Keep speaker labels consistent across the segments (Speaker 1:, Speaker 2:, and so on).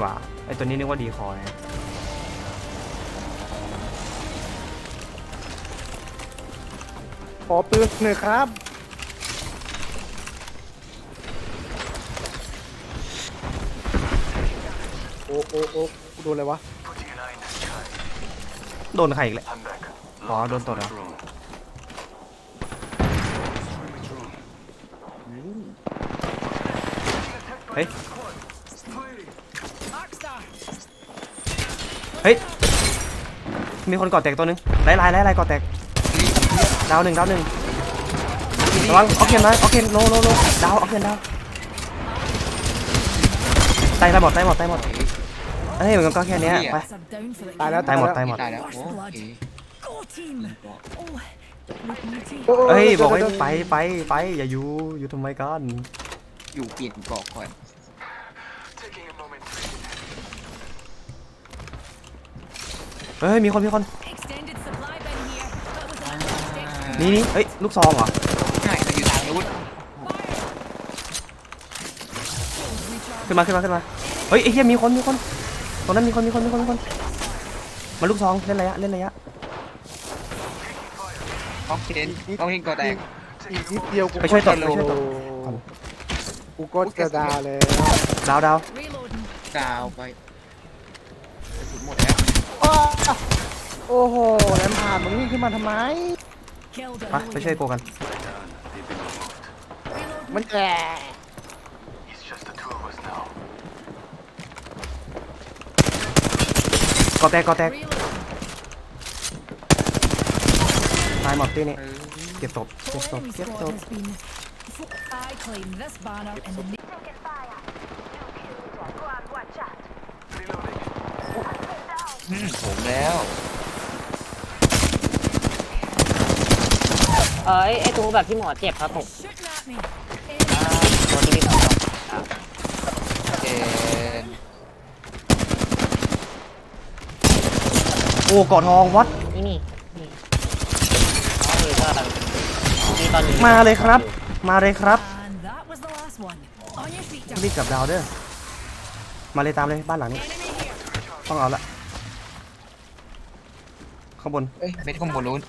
Speaker 1: หว่าไอตัวนี้นึกว่าดีคอย
Speaker 2: ขอปืนหน่อยครับโอ้โดนอะไรวะ
Speaker 1: โดนใครอีกเลยอ๋อโดนตดเหรอเฮ้ยเฮ้ยมีคนก่อแตกตัวนึงไล่ก่อแตกดาวหนึ่งระวังออกเคนนะออกเคนโลดาวออกเคนดาวตายหมดเฮ้ยมันก็แค่นี้ไป
Speaker 2: ตายแล้ว
Speaker 1: ตายหมดเฮ้ยบอกให้ไปอย่าอยู่ทำไมกัน
Speaker 3: อยู่เปลี่ยนเกาะก่อน
Speaker 1: เฮ้ยมีคนนี่เฮ้ยลูกซองเหรอ
Speaker 3: ใช่อยู่ทางนู้น
Speaker 1: ขึ้นมาเฮ้ยไอ้เหี้ยมีคนตรงนั้นมีคนมาลูกซองเล่นระยะ
Speaker 3: ต้องเห็นก่อแตก
Speaker 2: อีกนิดเดียว
Speaker 1: ไปช่วยตด
Speaker 2: กูก็จะดาแล้ว
Speaker 1: ดาว
Speaker 3: ไปกระสุนหมดแล้ว
Speaker 2: โอ้โหแรมผ่านมึงวิ่งขึ้นมาทำไม
Speaker 1: ไปช่วยโกกัน
Speaker 2: มันแก่
Speaker 1: ก่อแตกตายหมดที่นี่เก็บศพ
Speaker 3: ผมแล้ว
Speaker 4: ไอ้ตัวแบบที่หมอเจ็บครับผมตัวที่สอง
Speaker 1: โอ้กอดทองวัด
Speaker 4: นี่ตอนนี้
Speaker 1: มาเลยครับรีบกลับดาวเด้อมาเลยตามเลยบ้านหลังนี้ต้องเอาละข้างบน
Speaker 3: เม็ดข้างบนนู้น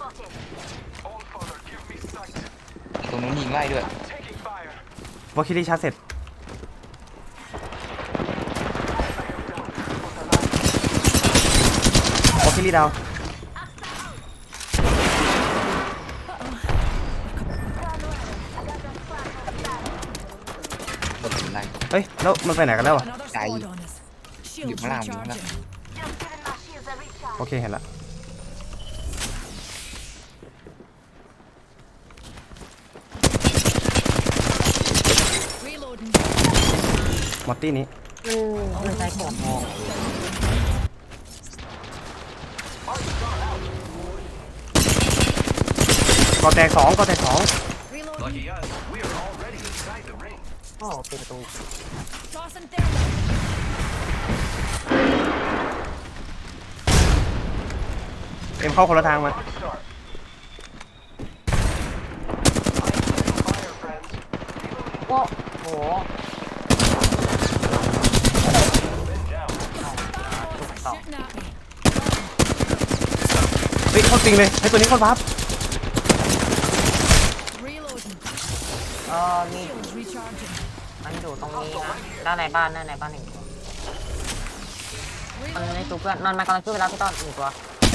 Speaker 3: ตรงนู้นยิงไล่ด้วย
Speaker 1: วอลคิรี่ชาร์จเสร็จวอลคิรี่ดาวเฮ้ยแล้วมันไปไหนกันแล้วอ่ะ
Speaker 3: ใจอยู่ข้างล่าง
Speaker 1: โอเคเห็นละมอตตี้นี้
Speaker 4: มันใช้ของทอง
Speaker 1: ก่อแตกสอง
Speaker 4: โอ้เป็นประตู
Speaker 1: เอ็มเข้าคนละทางมา
Speaker 4: โอ้โห
Speaker 1: เฮ้ยเข้าจริงเลยให้ตัวนี้เข้าวับ
Speaker 4: มีมันอยู่ตรงนี้นะด้านในบ้านหนึ่งมันในตัวเพื่อนมันกำลังขึ้นไปแล้วพี่ต้นหนึ่งตัว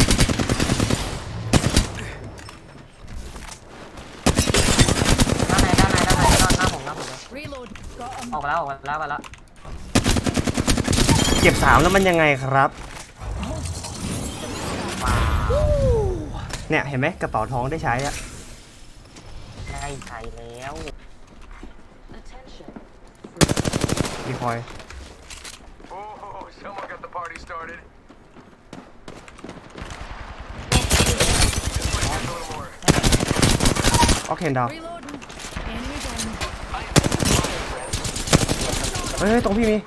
Speaker 4: ด้านในหน้าผมเลยออกแล้ว
Speaker 1: เก็บ3แล้วมันยังไงครับเนี่ยเห็นไหมกระเป๋าทองได้ใช้อะ
Speaker 4: ได้ใช้แล้ว
Speaker 1: ดีคอยโอเคดาวเฮ้ยตรงพี่มี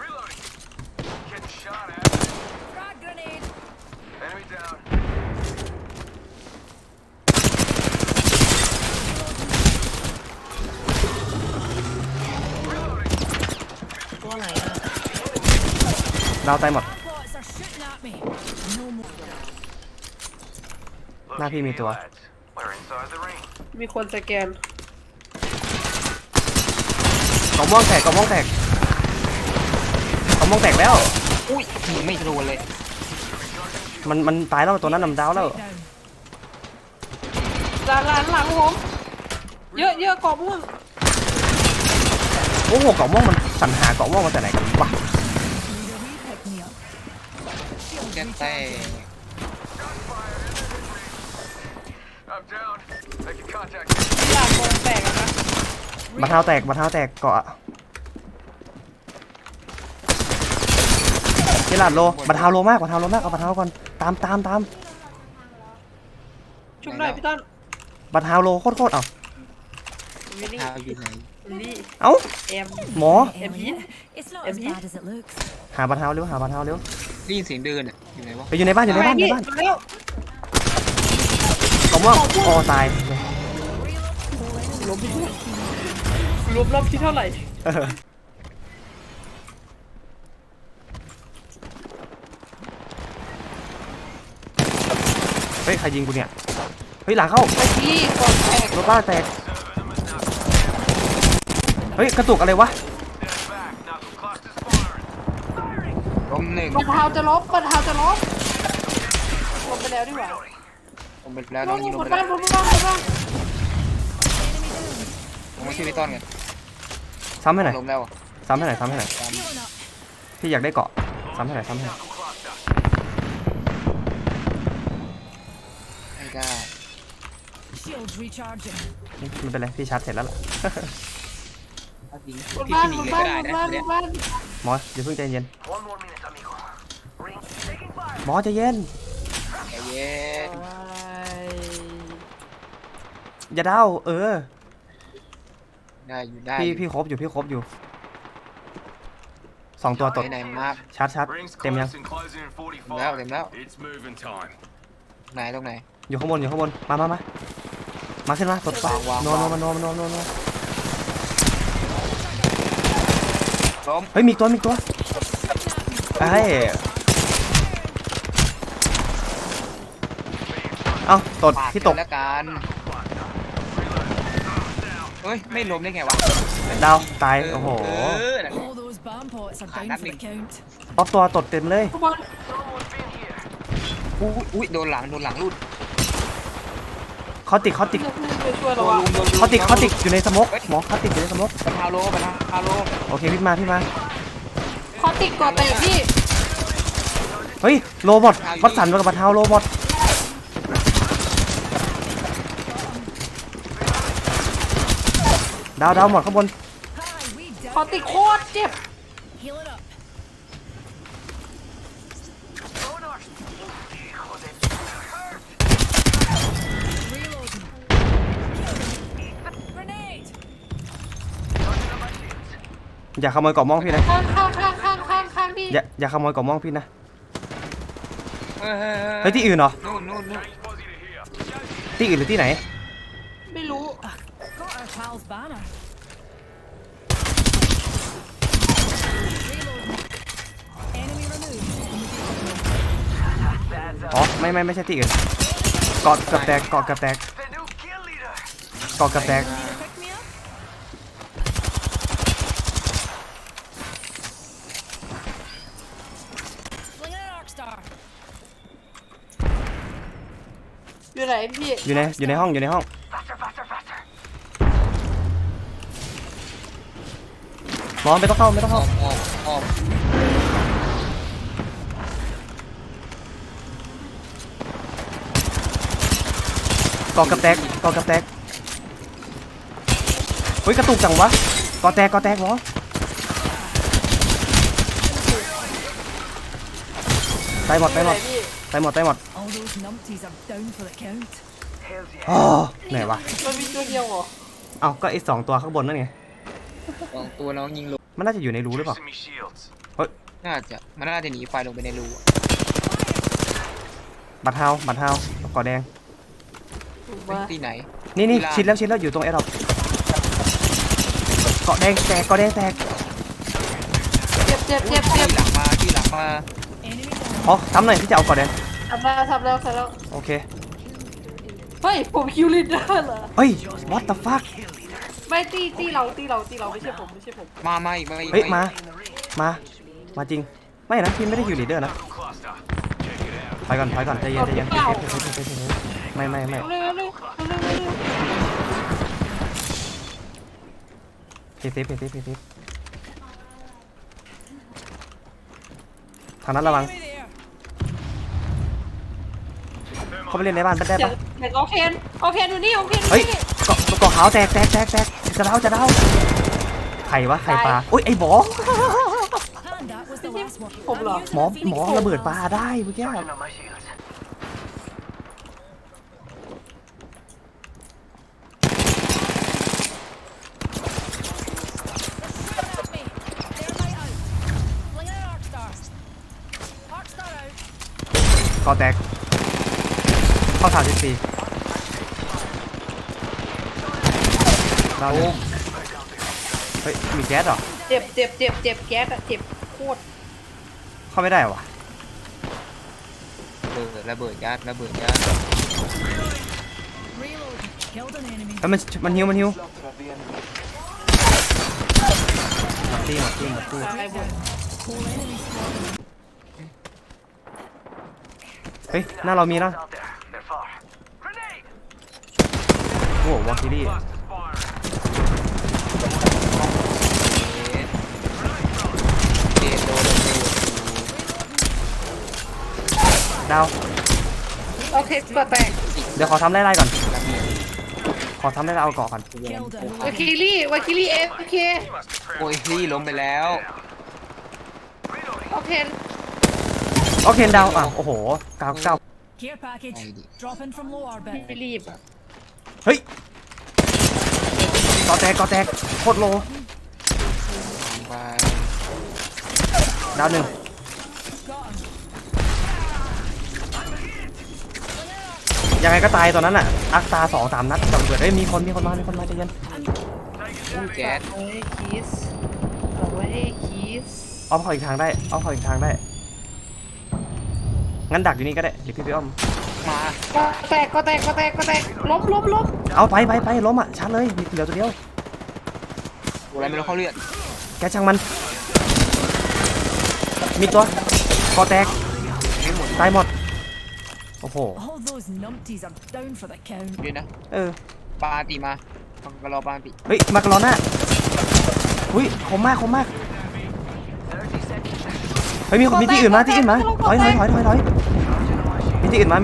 Speaker 4: ตัวไหน
Speaker 1: ดาวตายหมดหน้าพี่มีตัว
Speaker 2: มีคนสแกน
Speaker 1: กล่องม่วงแตกกล่องม่วงแตกกล่องม่วงแตกแล้ว
Speaker 3: อุ้ยยิงไม่โดนเลย
Speaker 1: มันตายแล้วตัวนั้นนำดาวแล้ว
Speaker 2: ด้านหลังผมเยอะกรอบม่วง
Speaker 1: โอ้โหกล่องม่วงมันสรรหากล่องม่วงมาแต่ไหนกันวะ
Speaker 3: แกแต่
Speaker 2: หลังโดนแตกอะนะ
Speaker 1: บัตรเท้าแตกบัตรเท้าแตกเกาะเจลาดโลบัตรเท้าโลมากบัตรเท้าโลมากเอาบัตรเท้าก่อนตาม
Speaker 2: ชุบหน่อยพี่ต้น
Speaker 1: บัตรเท้าโลโคตรเอา
Speaker 2: วิลลี่
Speaker 3: เท้าอยู่ไหน
Speaker 2: วิลลี่
Speaker 1: เอ้า
Speaker 2: เอ็ม
Speaker 1: หมอ
Speaker 5: It's not as bad as it looks.
Speaker 1: หาบัตรเท้าเร็วหาบัตรเท้าเร็ว
Speaker 3: ได้ยินเสียงเดินอ่ะอยู่ไหนวะ
Speaker 1: ไปอยู่ในบ้านอยู่ในบ้าน
Speaker 2: มาแล้ว
Speaker 1: กล่องม่วงโอ้ตาย
Speaker 2: ลบรอบที่เท่าไหร่
Speaker 1: เฮ้ยใครยิงกูเนี่ยเฮ้ยหลังเข้า
Speaker 2: ไปที่กองแตก
Speaker 1: รถบ้านแตกเฮ้ยกระตุกอะไรวะ
Speaker 3: ล้มหนึ่ง
Speaker 2: บัตรเท้าจะลบลงไปแล้วดีกว่า
Speaker 3: ผมไปแล้วน้องยิงลง
Speaker 2: บน
Speaker 3: ไป
Speaker 2: บ้า
Speaker 3: แล้
Speaker 2: น
Speaker 3: ว
Speaker 2: บนบ้าน
Speaker 3: ผมไม่ช่วยพี่ต้นไง
Speaker 1: ซ้ำให้หน่อย
Speaker 3: ล้มแล้ว
Speaker 1: ซ้ำให้หน่อยซ้ำให้หน่อย
Speaker 5: Healing up.
Speaker 1: พี่อยากได้เกาะซ้ำให้หน่อยซ้ำให้หน่อย
Speaker 3: ไม่ได้
Speaker 5: Shields recharging.
Speaker 1: ไม่เป็นไรพี่ชาร์จเสร็จแล้วล่ะ
Speaker 3: ถ้ายิง
Speaker 2: บน
Speaker 3: พี่
Speaker 2: บ้าน
Speaker 3: หนี
Speaker 2: บน
Speaker 3: เลย
Speaker 2: บ้า
Speaker 3: ก็
Speaker 2: น
Speaker 3: ได้
Speaker 2: บน
Speaker 3: นะ
Speaker 2: บ้านบ
Speaker 3: เนี่ย
Speaker 2: นบ้าน
Speaker 1: หมอเดี๋ยวเพิ่งใจเย็นหมอใจเย็น
Speaker 3: ใจเย็น
Speaker 1: อย่าเด้า
Speaker 3: ได้อยู่ได้
Speaker 1: พี่ครบอยู่สองตัวตด
Speaker 3: ไหนมาก
Speaker 1: ชาร์จเต็มยัง
Speaker 3: แล้วเต็มแล้ว
Speaker 6: It's moving time.
Speaker 3: ไหนตรงไหน
Speaker 1: อยู่ข้างบนมาขึ้นมาตดไป
Speaker 3: วาง
Speaker 1: โน
Speaker 3: วาง
Speaker 1: โน
Speaker 3: ล้ม
Speaker 1: เฮ้ยมีตัวเฮ้ยเอ้าตด
Speaker 3: ปาด
Speaker 1: ที่ตก
Speaker 3: แล้วกันเฮ้ยไม่ล้มได้ไงวะ
Speaker 1: ดาวตายโอ้โห
Speaker 5: All those bomb pots are down for the count.
Speaker 1: ป๊อปตัวตดเต็มเลย
Speaker 2: ข้างบน
Speaker 3: อุ้ยโดนหลังรูด
Speaker 1: เขาติด
Speaker 2: เพื่อนไปช่วยเราอะ
Speaker 1: เขาติดอยู่ในสโมกหมอเขาติดอยู่ในสโมก
Speaker 3: ปะทาโล
Speaker 1: โอเคพี่มา
Speaker 2: เขาติดก่อแตกพี่
Speaker 1: เฮ้ยโรบอทวัดสันกับบัตรเท้าโรบอทดาวหมดข้างบน
Speaker 5: Hi, we
Speaker 2: เขา
Speaker 5: down.
Speaker 2: ติดโคตรเจ็บ
Speaker 5: Healing up. Reloading. Grenade.
Speaker 1: อย่าขโมยกล่องม่วงพี่นะ
Speaker 2: ข้างพี่
Speaker 1: อย่าขโมยกล่องม่วงพี่นะ
Speaker 3: เฮ้
Speaker 1: เฮ้ยที่อื่นเหรอ
Speaker 3: นู่น
Speaker 1: ที่อื่นหรือที่ไหน
Speaker 2: ไม่รู้
Speaker 5: Got our pal's banner. Reloading. Enemy removed.
Speaker 1: อ๋อไม่ใช่ที่อื่นเกาะกับแตก
Speaker 5: Need a pick me up? Flinging an arc star.
Speaker 2: อยู่ไหนพี่
Speaker 1: อยู่ในห้องหมอไม่ต้องเข้า
Speaker 3: ออก
Speaker 1: เกาะกับแตกเฮ้ยกระตุกจังวะเกาะแตกหมอตายหมด
Speaker 2: อยู่ไหนพี่
Speaker 5: All those numpties are down for the count.
Speaker 1: อ๋อไหนวะ
Speaker 2: มันมีตัวเดียวเหรอ
Speaker 1: เอ้าก็ไอ้2ตัวข้างบนนั่นไง
Speaker 3: สองตัวน้องยิงลง
Speaker 1: มันน่าจะอยู่ในรูหรือเปล่า
Speaker 6: Me shields.
Speaker 3: มันน่าจะหนีไฟลงไปในรู
Speaker 1: บัตรเท้าเกาะแดง
Speaker 2: ถูก
Speaker 3: เฮ้ย
Speaker 2: ปะ
Speaker 3: ที่ไหน
Speaker 1: นี่ชิดแล้วอยู่ตรงแอร์ดรอปเกาะแดงแตก
Speaker 2: เจ็บ
Speaker 3: ที่หลังมามา
Speaker 5: Enemy down.
Speaker 1: อ๋อซ้ำหน่อยพี่จะเอาก่อนแดง
Speaker 2: ทำแล้ว
Speaker 1: โอเค
Speaker 2: เฮ้ยผมคิวลิดเดอร์เหรอ
Speaker 1: เฮ้ย what the fuck
Speaker 2: ไม่ตีเราไม่ใช่ผม
Speaker 3: มาอีก
Speaker 1: เฮ้ยมาจริงไม่นะพี่ไม่ได้อยู่ลีดเดอร์นะถอยก่อนใจเย็นไม่
Speaker 2: เร็ว
Speaker 1: เพเซฟทางนั้นระวัง
Speaker 5: Enemy there.
Speaker 1: เขาไปเล่นในบ้านได้
Speaker 2: เดี๋ยว
Speaker 1: ปะ
Speaker 2: เดี๋ยวโอเคนอยู่นี่
Speaker 1: เฮ้ยเกาะขาวแตกจะเดาใครวะใครปลาอุ้ยไอ้หมอ
Speaker 5: And that was the last one.
Speaker 2: ผมเหรอ
Speaker 1: หมอระเบิดปลาได้เมื่อกี้
Speaker 5: At me. Thermite out. Flinging an arc star. Arc star out.
Speaker 1: เกาะแตกเข้า34เราเนี่ยเฮ้ยมีแก๊สเหรอ
Speaker 2: เจ็บแก๊สอะเจ็บโคตร
Speaker 1: เข้าไม่ได้วะ
Speaker 3: ระเบิดยัด
Speaker 5: Reload. Killed an enemy.
Speaker 1: เฮ้ยมันหิวหมดตี
Speaker 2: ตายหมด
Speaker 5: Whole enemy squad.
Speaker 1: เฮ้ยหน้าเรามีนะโอ้วอลคิรี่ดาว
Speaker 2: โอเคก็แตก
Speaker 1: เดี๋ยวขอทำไล่ๆก่อนขอทำไล่ๆเอาเกาะก่อน
Speaker 5: Killed a
Speaker 2: วาคิลี่เอฟเค
Speaker 3: โอ้ยพี่ล้มไปแล้ว
Speaker 2: โอเค
Speaker 1: โอเคดาวอ่ะโอ้โหเก้า
Speaker 5: care package. Dropping from low orbit.
Speaker 2: ไม่รีบอะ
Speaker 1: เฮ้ยเกาะแตกโคตรโล
Speaker 3: ไป
Speaker 1: ดาวหนึ่ง
Speaker 5: Got him.
Speaker 1: ยังไงก็ตายตอนนั้นอ่ะอักตา2-3 นัดกับเบิดเฮ้ยมีคนมาใจเย็น
Speaker 3: แก๊ส
Speaker 2: เอาไว้คีส
Speaker 1: อ้อมเข้าอีกทางได้งั้นดักอยู่นี่ก็ได้เดี๋ยวพี่ไปอ้อม
Speaker 3: มา
Speaker 2: ก็แตกลบ
Speaker 1: เอาไปล้มอ่ะชัดเลยมีเหลือตัวเดียว
Speaker 3: อะไรไม่รู้เขาเลือด
Speaker 1: แกช่างมันมีตัวคอแตกตายหมดโอ้โห
Speaker 5: All those numpties are down for the count.
Speaker 3: ด้วยนะ
Speaker 1: เออ
Speaker 3: ปาตีมาก็รอปาตี
Speaker 1: เฮ้ยมากรอหน้าอุ้ยคมมากเฮ้ยมีที่อื่นมาถอยมีที่อื่นมา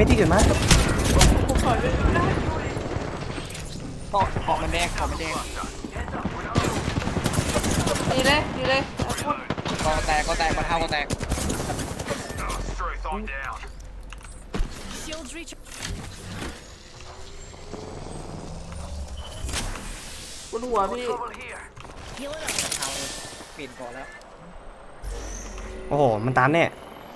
Speaker 3: เกาะมันแดง
Speaker 2: ดีเลย
Speaker 3: ก็แตกมาเท่าก็แตก
Speaker 5: Shields reach.
Speaker 2: บนหัวพี่
Speaker 5: Healing up.
Speaker 3: เอาเปลี่ยนก่อนแล้ว
Speaker 1: โอ้โหมันตันเนี่ย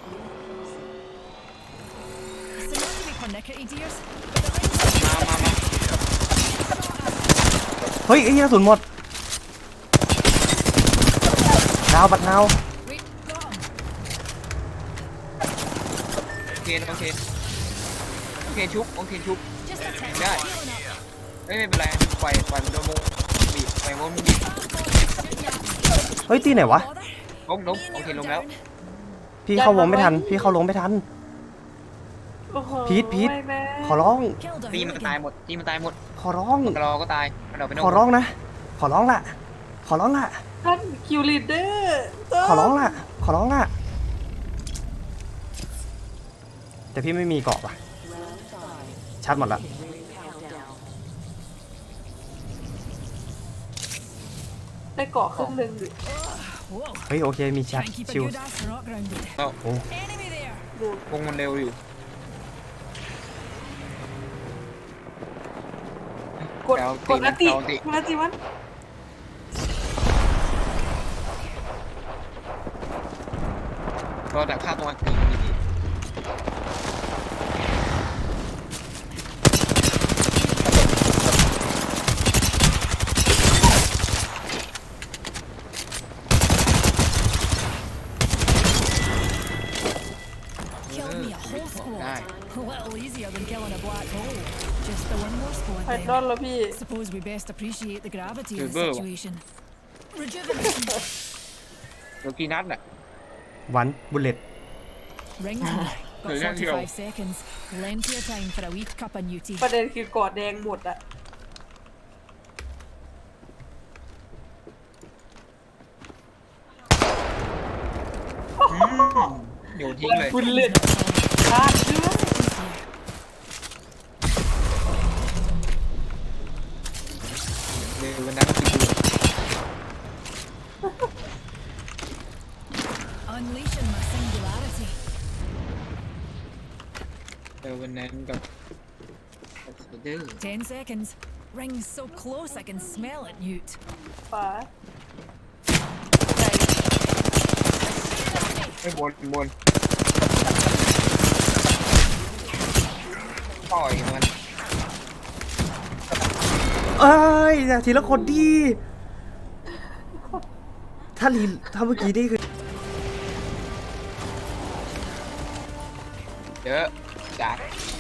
Speaker 5: It's not to be pernickety, dears.
Speaker 3: มา
Speaker 1: เฮ้ยไอ้เหี้ยกระสุนหมดดาวบัดนาว
Speaker 5: Got him.
Speaker 3: โอเคชุบ
Speaker 5: Just a tick.
Speaker 3: Yeah.
Speaker 5: Healing up.
Speaker 3: ไม่เป็นไรปล่อยมันโดนมุงบีบปล่อยมุงบีบ
Speaker 1: เฮ้ยตีไหนวะ
Speaker 5: Bother.
Speaker 3: ล้มโอเคล้มแล้ว
Speaker 1: พี่เข้าวงไม่ทัน
Speaker 2: โอ้โห
Speaker 1: พีท
Speaker 2: ไม่แม่
Speaker 1: ขอร้อง
Speaker 5: Killed a
Speaker 3: ตีมันตาย
Speaker 5: hooligan.
Speaker 3: หมดตีมันตายหมด
Speaker 1: ขอร้อง
Speaker 3: กรอก็ตายมันออกไปนอก
Speaker 1: ขอร้องนะขอร้องละ
Speaker 2: ท่านคิวลิดเดอร์
Speaker 1: ขอร้องละแต่พี่ไม่มีเกาะว่ะชัดหมดละ
Speaker 2: ได้เกาะครึ่งหนึ่ง
Speaker 5: Whoa.
Speaker 1: เฮ้ยโอเคมีชัด
Speaker 5: Can't keep a
Speaker 1: ชิล
Speaker 5: good ass rock grounded.
Speaker 3: แล้ว
Speaker 1: โอ้
Speaker 5: Enemy there.
Speaker 3: วงมันเร็วอยู่
Speaker 2: กดอันติมัน
Speaker 3: รอแต่ฆ่าตัวตี
Speaker 5: killed me a whole
Speaker 3: ได้
Speaker 5: squad. A little easier than killing a black hole. Just the one more squad
Speaker 2: ไพ
Speaker 5: then.
Speaker 2: ดอนแล้วพี่
Speaker 5: Suppose we best appreciate the gravity of the
Speaker 3: Silver.
Speaker 5: situation. Rejuvenation.
Speaker 3: โลกีนัทน่ะ
Speaker 1: วันบุลเลต
Speaker 5: Ring time. Got
Speaker 3: Thời gian nhiều.
Speaker 5: 45 seconds. Plenty of time for a wee cup of newty.
Speaker 2: ประเด็นคือกอดแดงหมดอะ
Speaker 3: โยนทิ้งเลย
Speaker 2: คุณเล่นพลาดเชื่อ
Speaker 3: เดี๋ยววันนั้นก็คือ
Speaker 5: Unleashing my singularity.
Speaker 3: เดี๋ยววันนั้นกับเด้อ
Speaker 5: 10 seconds. Ring's so close I can smell it, Newt.
Speaker 2: ฝา
Speaker 3: ไม่บนต่อยมัน
Speaker 1: เอ้ยอย่าทีละคนดีถ้าเมื่อกี้นี่คือ
Speaker 3: เยอะจัด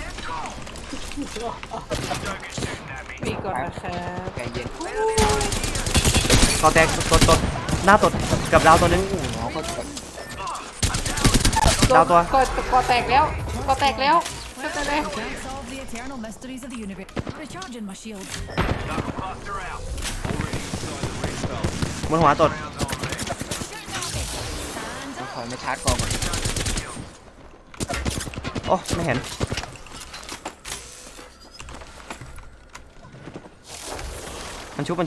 Speaker 2: มีก่อนนะครับ
Speaker 3: ใจเย็น
Speaker 1: กอแตกตดหน้าตดกับดาวตัวนึง
Speaker 3: น้องก็กด
Speaker 1: ดาวตัว
Speaker 2: กอแตกแล้วกอแตกแล้วก็จะได้
Speaker 5: Can't solve the eternal mysteries of the universe. Recharging my shield.
Speaker 1: บนหัวตด
Speaker 3: ต้องขอมาชาร์จกองก่อน
Speaker 1: โอ้ไม่เห็นมันชุบ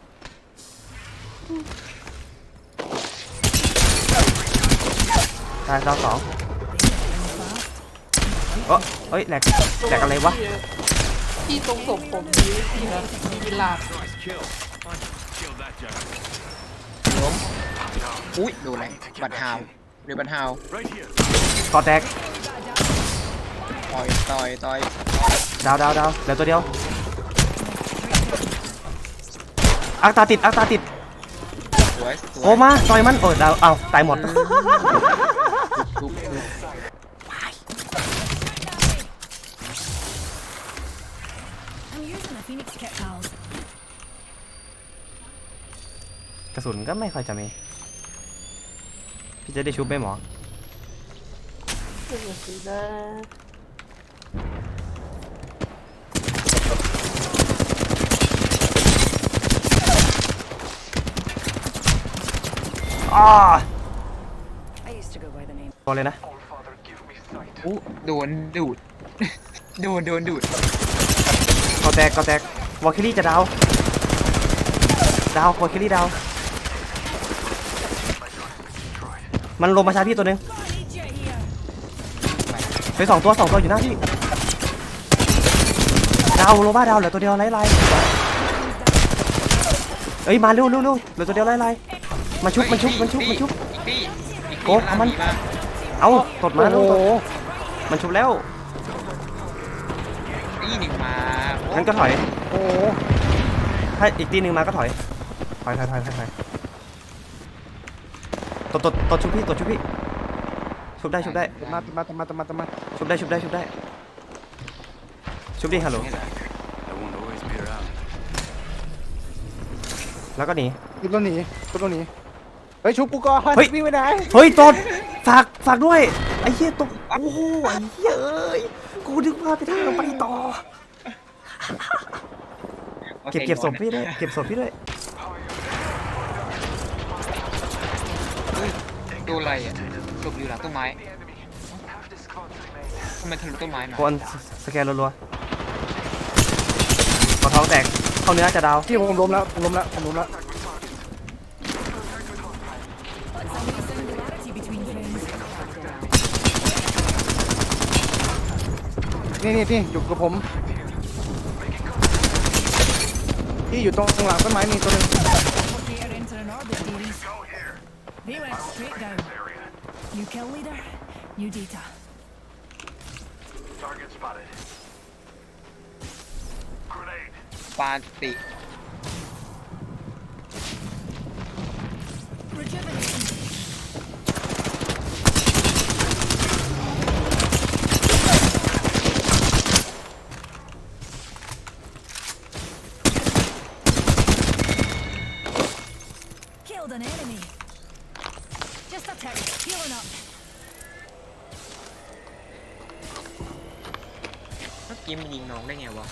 Speaker 1: ได้ดาวสองเฮ้ยแหลกอะไรวะ
Speaker 2: ที่ตรงศพผมมีที่นะมีลาบ
Speaker 3: ล้มอุ้ยดูอะไรบัตรฮาวหรือบัตรฮาว
Speaker 1: กอแตก
Speaker 3: ต่อย
Speaker 1: ดาวเหลือตัวเดียวอักตาติด
Speaker 3: สวย
Speaker 1: โอ้มาต่อยมันโอ้ดาวเอาตายหมด
Speaker 3: ทุบ
Speaker 5: I'm using the Phoenix kit, pals.
Speaker 1: กระสุนก็ไม่ค่อยจะมีพี่จะได้ชุบไหมหมอ
Speaker 2: เป็นอย่างนี้นะ
Speaker 1: อ้า
Speaker 5: I used to go by the name.
Speaker 1: ตัวเลยนะ
Speaker 3: อู้โดนดูด โดนดูด
Speaker 1: กอแตกวอลคิลี่จะดาววอลคิลี่ดาวมันลงมาชาร์จพี่ตัวนึง
Speaker 5: Need you here.
Speaker 1: ไปสองตัวอยู่หน้าพี่ดาวโลบ้าดาวเหลือตัวเดียวไล่เอ้ยมาเร็วเหลือตัวเดียวไล่มาชุบ
Speaker 3: อีกตี้
Speaker 1: โอ้เอามัน เอาตดมาแล้วมันชุบแล้ว
Speaker 3: ตี้หนึ่งมา
Speaker 1: งั้นก็ถอย
Speaker 2: โอ้
Speaker 1: ถ้าอีกตีหนึ่งมาก็ถอยตดชุบพี่ชุบได้
Speaker 2: มาชุบ
Speaker 1: ดิฮัลโหล
Speaker 3: นี่แหละ
Speaker 1: แล้วก็หนี
Speaker 2: ชุบตัวหนีเฮ้ยชุบกูก่อน
Speaker 1: เฮ้ย
Speaker 2: วิ่งไปไหน
Speaker 1: เฮ้ยตดฝากด้วยไอ้เหี้ยตกโอ้โหไอ้เหี้ยเอ้ยกูนึกว่าไปทางไปต่อเก็บศพพี่ด้วย
Speaker 3: ดูอะไรอ่ะหลบอยู่หลังต้นไม้ทำไมทะลุต้นไม้มา
Speaker 1: คนสแกนรัวๆกอท้องแตกเข้าเนื้อจะดาว
Speaker 2: ที่ผมล้มแล้ว
Speaker 5: What's a wee singularity between friends?
Speaker 2: นี่อยู่กับผมที่อยู่ตรงหลังต้นไม้นี่ตัวนึง
Speaker 5: Replicator entering orbit, dearies. They went straight down. New kill leader, new data.
Speaker 6: Target spotted. Grenade.
Speaker 3: ปาติ
Speaker 5: Rejuvenation.
Speaker 3: กี้มันยิงน้องได้ไงวะ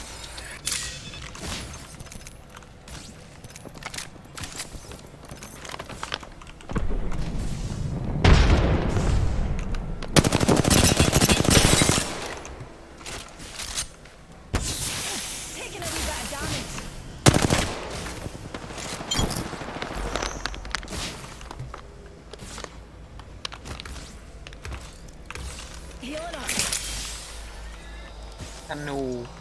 Speaker 5: Taking a wee bit of damage. Healing up.
Speaker 3: ธนู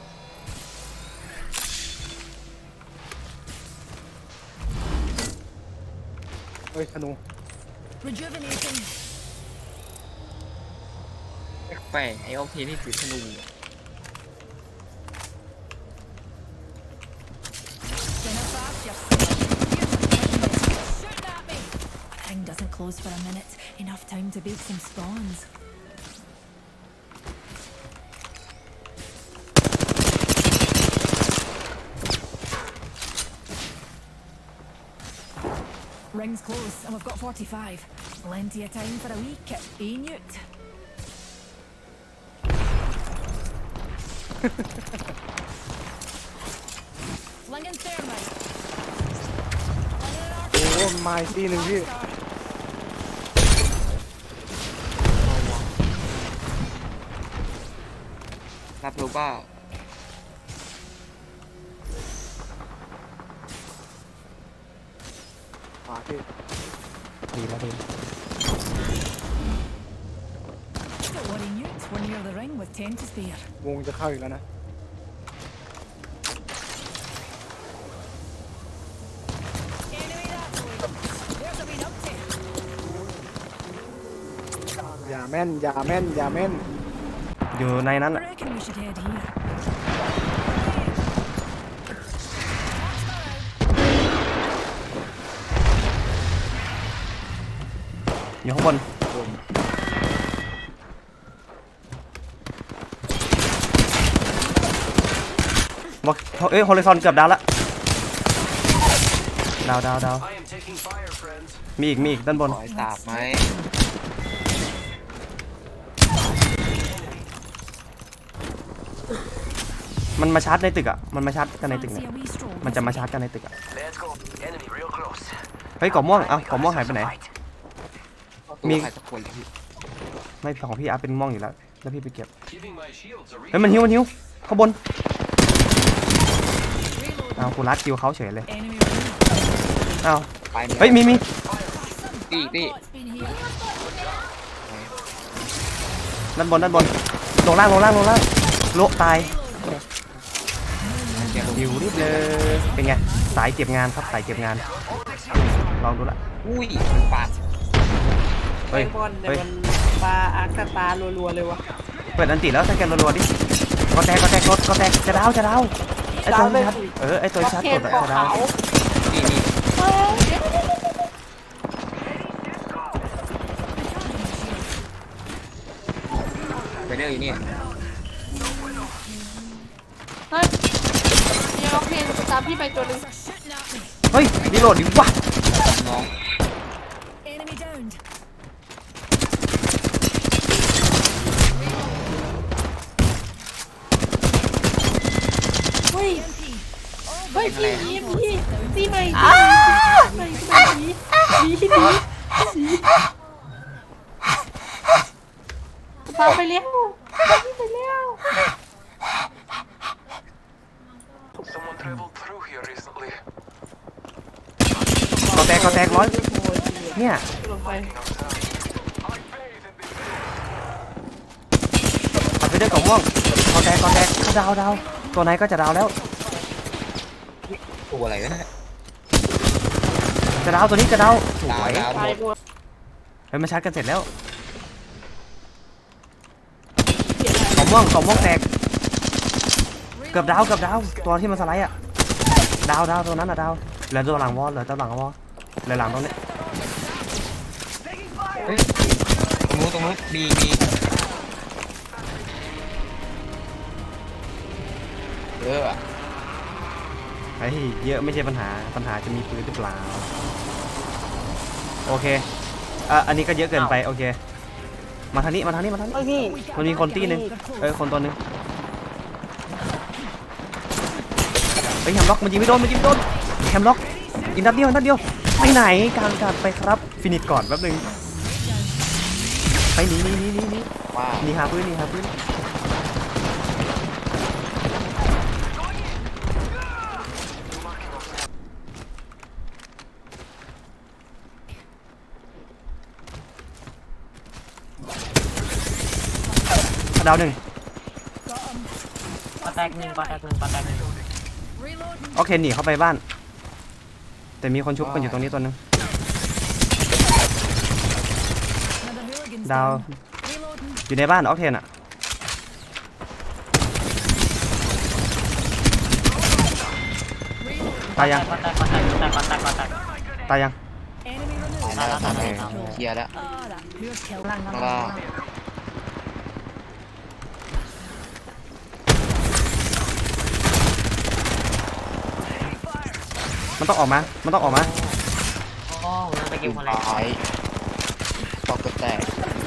Speaker 2: เฮ้ยธนู
Speaker 5: Rejuvenating.
Speaker 3: แปลกไอ้โอเคนี่ถือธนู
Speaker 5: Dinner fast, you're shooting at me. Ring doesn't close for a minute. Enough time to bake some scones. Ring's close, and we've got 45. Plenty of time for a wee kip, eh, Newt? Flinging thermite. Flinging an arc
Speaker 2: โอ้มาอีกทีหนึ่งพี่
Speaker 5: star.
Speaker 3: รับรู้ป่า
Speaker 2: ขวาพี่
Speaker 1: ดีแล้วดี
Speaker 5: Don't worry, Newt. We're near the ring with 10 to spare.
Speaker 2: วงจะเข้าอีกแล้วนะ
Speaker 5: Enemy that way. There's a wee numpty.
Speaker 2: อย่าแม่นอย่าแม่นอย่าแม่น
Speaker 1: อยู่ในนั้น
Speaker 5: I
Speaker 1: อะ
Speaker 5: reckon we should head here.
Speaker 1: อยู่ข้างบนบอกเอ้ยฮอริซอนเกือบดาวละดาว มีอีกด้านบน
Speaker 3: ขอให้สาบไหม
Speaker 1: มันมาชาร์จในตึกอ่ะมันมาชาร์จกันในตึก
Speaker 5: Fancy
Speaker 1: เนี่ย
Speaker 5: a wee stroll
Speaker 1: มัน
Speaker 5: this
Speaker 1: จะมา
Speaker 5: way?
Speaker 1: ชาร์จกันในตึกอ่ะเฮ้ยกล่องม่วงเอ้ากล่องม่วงหายไปไหน มี
Speaker 3: ใครสักคนเลยพี่
Speaker 1: ไม่ของพี่อาร์ตเป็นม่วงอยู่แล้วแล้วพี่ไปเก็บเฮ้ยมันหิวข้างบนเอากูรัดคิวเขาเฉยเลย
Speaker 5: Enemy ring.
Speaker 1: เอา
Speaker 3: ไป
Speaker 1: เฮ้ยมี
Speaker 3: ตี
Speaker 5: Bot's been here.
Speaker 1: ด้านบนลงล่างโละตายหิวนิดเลยเป็นไงสายเก็บงานครับสายเก็บงานลองดูละ
Speaker 3: อุ้ยมันปาด
Speaker 1: เฮ้ย
Speaker 6: บอลเนี่ยมันปลาอาร์คสตาร์รัวๆเลยวะ
Speaker 1: เปิดอันติแล้วสแกนรัวๆดิก็แตกจะดาวไอ้ตัวชัดไอ้ตัวชัด
Speaker 6: เท
Speaker 1: ก
Speaker 6: น
Speaker 1: ด
Speaker 6: ขอ
Speaker 1: จะดาว
Speaker 6: ขาว
Speaker 3: นี่ ไปเรื่อยอยู่นี่
Speaker 6: เฮ้ยเนี่ยน้องเพลงตามพี่ไปตัวหนึง
Speaker 5: They're shooting at me.
Speaker 1: เฮ้ยรีโหลดดิวะ
Speaker 3: น้อง
Speaker 5: Enemy downed.
Speaker 6: เฮ้ย
Speaker 5: MP.
Speaker 6: เฮ้ยพี่ตีใหม่ดีตามไปเลี้ยวไปเลี้ยว
Speaker 7: Someone traveled through here recently.
Speaker 1: ก็แตกร้อยเนี่ย
Speaker 6: ลงไป
Speaker 1: ปัดไปด้วยกล่องม่วงก็แตกเขาดาวตัวไหนก็จะดาวแล้ว
Speaker 3: ตัวอะไรวะเนี่ย
Speaker 1: จะดาวตัวนี้จะดาวสวย
Speaker 3: ดาวหม
Speaker 6: ตาย
Speaker 3: ด
Speaker 6: หมด
Speaker 1: เฮ้ยมาชาร์จกันเสร็จแล้วกล่องม่วงแตกเกือบดาวตัวที่มันสไลด์อะดาวตัวนั้นอะดาวเหลือตัวหลังวอลเหลือตัวหลังวอลเหลือหลังตรงนี้
Speaker 3: เฮ้ยตรงนู้นบี
Speaker 1: เฮ้ยเยอะไม่ใช่ปัญหาจะมีปืนหรือเปล่าโอเคอันนี้ก็เยอะเกินไปโอเคมาทางนี้
Speaker 6: เฮ้ยพี่
Speaker 1: มันมีคนตีหนึงคนตัวหนึงเฮ้ยแฮมล็อกมันยิงไม่โดนแฮมล็อกยิงนัดเดียวไปไหนกลางการไปครับฟินิชก่อนแป๊บนึงไปหนี
Speaker 3: ว้าว
Speaker 1: หนีหาปืนดาวหนึ่ง
Speaker 4: ปาแตกหนึ่ง
Speaker 1: โอเคหนีเข้าไปบ้านแต่มีคนชุบกันอยู่ตรงนี้ตัวนึง
Speaker 5: Another hooligan's
Speaker 1: ดาว
Speaker 5: down. Reloading.
Speaker 1: อยู่ในบ้านออกเทนอะตายยัง
Speaker 4: ปาแตก
Speaker 1: ตายยัง
Speaker 5: Enemy
Speaker 3: ตาย
Speaker 5: removed.
Speaker 3: แล้วเคลียร์แล้ว
Speaker 5: Ah, that pure kill.
Speaker 3: ข้างล่าง
Speaker 1: มันต้องออกมา
Speaker 4: โอ้นั่นไปกิวคนแรก
Speaker 3: ตายตอกกระแตก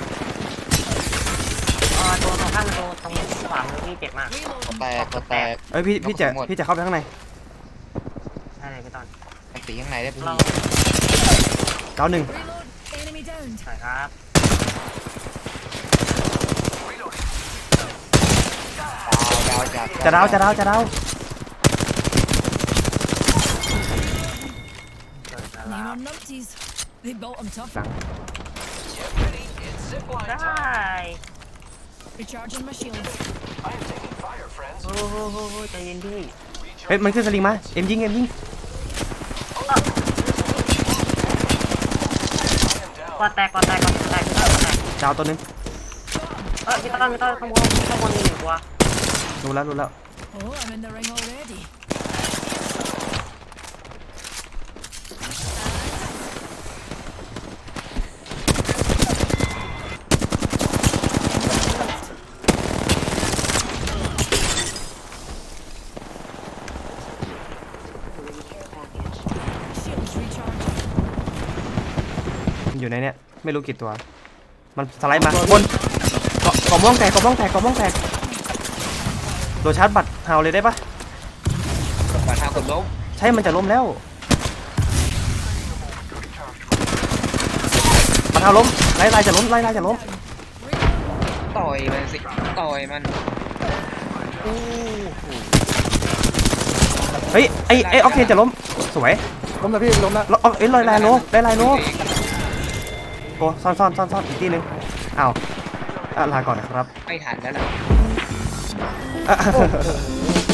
Speaker 4: ตัวตรงข้างตัวตรงขวามือพี่เจ็บมาก
Speaker 3: กระแตกกระแตก
Speaker 1: เอ้ยพี่จะเข้าไปข้างใน
Speaker 4: ใช่เลยพี่ตอน
Speaker 3: มันตีข้างในได้พี่
Speaker 4: เรา
Speaker 1: ดาวหนึ่ง
Speaker 5: Reload. Enemy down.
Speaker 4: ใช่ครับ
Speaker 3: ดาวจาก
Speaker 1: จะดาว
Speaker 4: เกิดแล้ว
Speaker 5: Name on numpties. They built them tough.
Speaker 4: ได้
Speaker 5: Recharging my shields.
Speaker 7: I'm taking fire, friends.
Speaker 4: โอ้โหใจเย็นพี่
Speaker 1: เฮ้ยมันขึ้นสลิงมาเอ็มยิง
Speaker 4: ปาแตก
Speaker 1: ดาวตัวนึง
Speaker 4: พี่ต้นข้างบนมีหนึ่งตัว
Speaker 1: รู้แล้ว
Speaker 5: Oh, I'm in the ring already.
Speaker 1: มันอยู่ในเนี้ยไม่รู้กี่ตัว มันสไลด์มาบนกล่องม่วงแตกโดนชาร์จบัตรเฮาเลยได้ปะ
Speaker 3: ปัญหากดล้ม
Speaker 1: ใช่มันจะล้มแล้วบัตรเฮาล้มไล่จะล้ม
Speaker 3: ต่อยมันสิต่อยมัน
Speaker 1: เฮ้ยไอ้ออกเทนจะล้มสวย
Speaker 2: ล้มแล้วพี่ล้มแล้ว
Speaker 1: เอ้ยลอยโลโอ้ซ่อนอีกทีนึงอ้าวลาก่อนนะครับ
Speaker 3: ไม่ทันแล้วล่ะ
Speaker 1: อ่ะ